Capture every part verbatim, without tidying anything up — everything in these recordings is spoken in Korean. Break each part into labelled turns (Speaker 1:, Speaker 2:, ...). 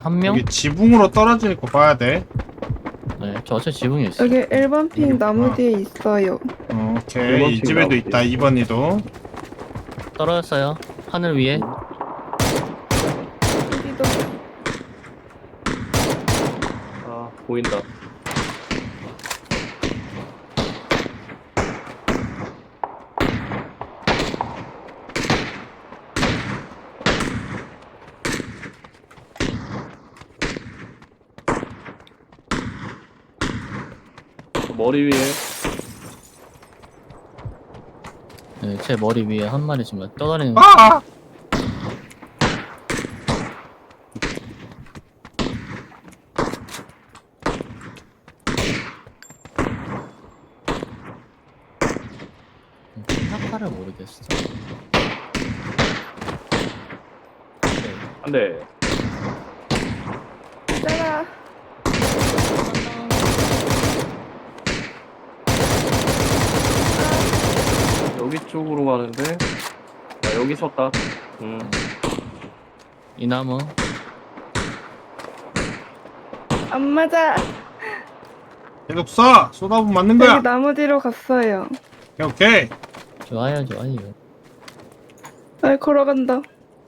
Speaker 1: 한 명?
Speaker 2: 여기 지붕으로 떨어지는 거 봐야 돼.
Speaker 1: 네, 저 어차피 지붕에 있어.
Speaker 3: 여기 일 번 핑 나무
Speaker 2: 아.
Speaker 3: 뒤에 있어요.
Speaker 2: 어, 오케이.
Speaker 4: 일번
Speaker 2: 이
Speaker 4: 핑
Speaker 2: 집에도
Speaker 4: 나오지.
Speaker 2: 있다. 이 번이도.
Speaker 1: 떨어졌어요. 하늘 위에.
Speaker 3: 여기도
Speaker 4: 아 보인다. 머리 위에
Speaker 1: 네, 제 머리 위에 한 마리 지금 떠다니는.
Speaker 2: 아!
Speaker 1: 생각하를 모르겠어. 네.
Speaker 4: 한대.
Speaker 3: 짜라.
Speaker 4: 여기 쪽으로 가는데. 나 여기 섰다. 음.
Speaker 1: 이 나무.
Speaker 3: 안 맞아.
Speaker 2: 계속 쏴! 쏟아보면 맞는 거야!
Speaker 3: 여기 나무 뒤로 갔어요.
Speaker 2: 오케이, 오케이.
Speaker 1: 좋아요, 좋아요.
Speaker 3: 아, 걸어간다.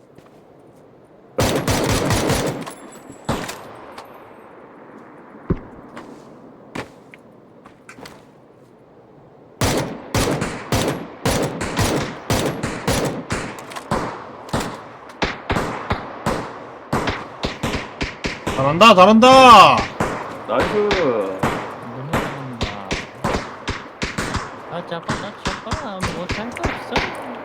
Speaker 2: 잘한다, 잘한다!
Speaker 4: 나이스.
Speaker 1: 아, 짜파, 짜파, 못할 거 없어.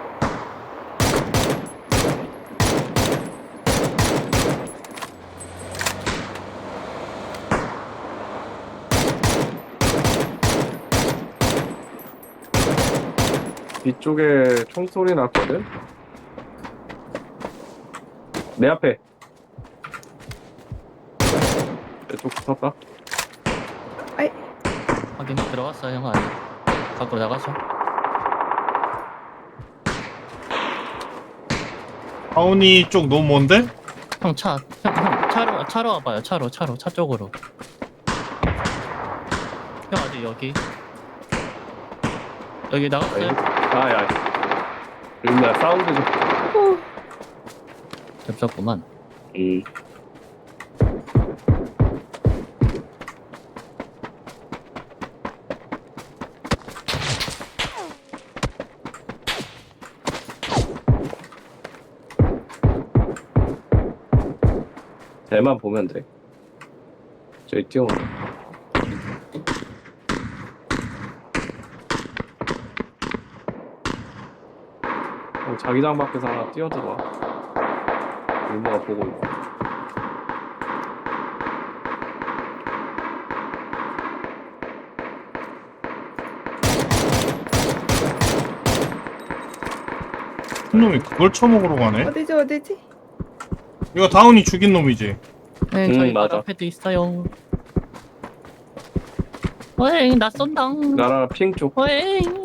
Speaker 4: 뒤쪽에 총소리 났거든? 내 앞에. 내쪽 붙었다.
Speaker 3: 아이,
Speaker 1: 확인 들어갔어, 형 안에. 밖으로 나가서.
Speaker 2: 하온이 쪽 너무 먼데?
Speaker 1: 형 차, 형, 형 차로, 차로 와봐요. 차로, 차로, 차 쪽으로. 형 아직 여기. 여기 나갔어요?
Speaker 4: 아, 야. 윤나 사운드 좀.
Speaker 3: 오,
Speaker 1: 겹쳤구만.
Speaker 4: 음. 쟤만 보면 돼. 저기 뛰어온다. 어, 자기장 밖에서 하나 뛰어들어와. 윤나가 보고 있다.
Speaker 2: 큰 놈이 그걸 쳐먹으러 가네?
Speaker 3: 어디지, 어디지?
Speaker 2: 이거 다운이 죽인 놈이지?
Speaker 1: 네,
Speaker 4: 음,
Speaker 1: 저희
Speaker 4: 맞아.
Speaker 1: 바로 앞에도 있어요. 어잉, 나 쏜당.
Speaker 4: 나랑 핑 쪽.
Speaker 1: 어잉.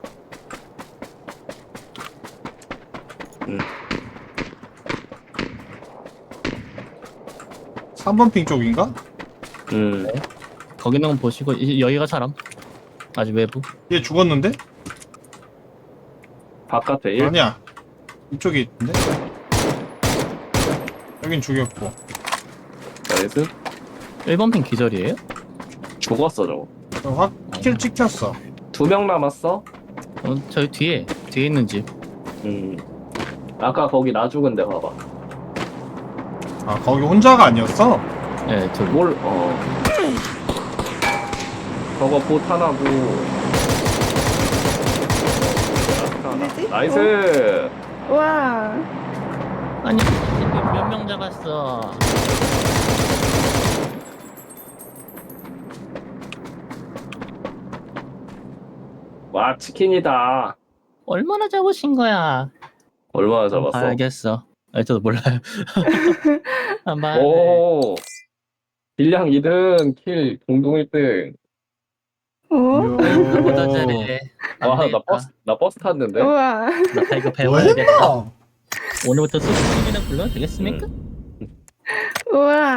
Speaker 2: 삼 번 핑 쪽인가?
Speaker 4: 음.
Speaker 1: 거기는 보시고, 이- 여기가 사람. 아직 외부.
Speaker 2: 얘 죽었는데?
Speaker 4: 바깥에 일.
Speaker 2: 아니야. 이쪽에 있는데? 여긴 죽였고.
Speaker 4: 나이스.
Speaker 1: 일 번 핑 기절이에요?
Speaker 4: 죽었어 저거.
Speaker 2: 확 킬 찍혔어.
Speaker 4: 두 명 남았어.
Speaker 1: 어, 저기 뒤에. 뒤에 있는 집.
Speaker 4: 음. 아까 거기 나 죽은 데 봐봐.
Speaker 2: 아, 거기 혼자가 아니었어?
Speaker 1: 네, 둘.
Speaker 4: 뭘, 어. 저거 봇 하나고. 라스트 하나.
Speaker 3: 어디지?
Speaker 4: 나이스!
Speaker 3: 와,
Speaker 1: 아니, 몇 명 잡았어.
Speaker 4: 와, 치킨이다.
Speaker 1: 얼마나 잡으신 거야?
Speaker 4: 얼마나 잡았어?
Speaker 1: 알겠어. 아, 저도 몰라요. 한 번.
Speaker 4: 오! 딜량 이 등, 킬 공동 일 등.
Speaker 3: 어?
Speaker 1: 보다 잘해. 안
Speaker 4: 와, 나
Speaker 1: 되겠다.
Speaker 4: 버스, 나 버스 탔는데?
Speaker 3: 우와.
Speaker 1: 나 이거 배워야겠다.
Speaker 2: 뭐야?
Speaker 1: 오늘부터 수수님이나 불러도 되겠습니까?
Speaker 4: 음.
Speaker 3: 우와.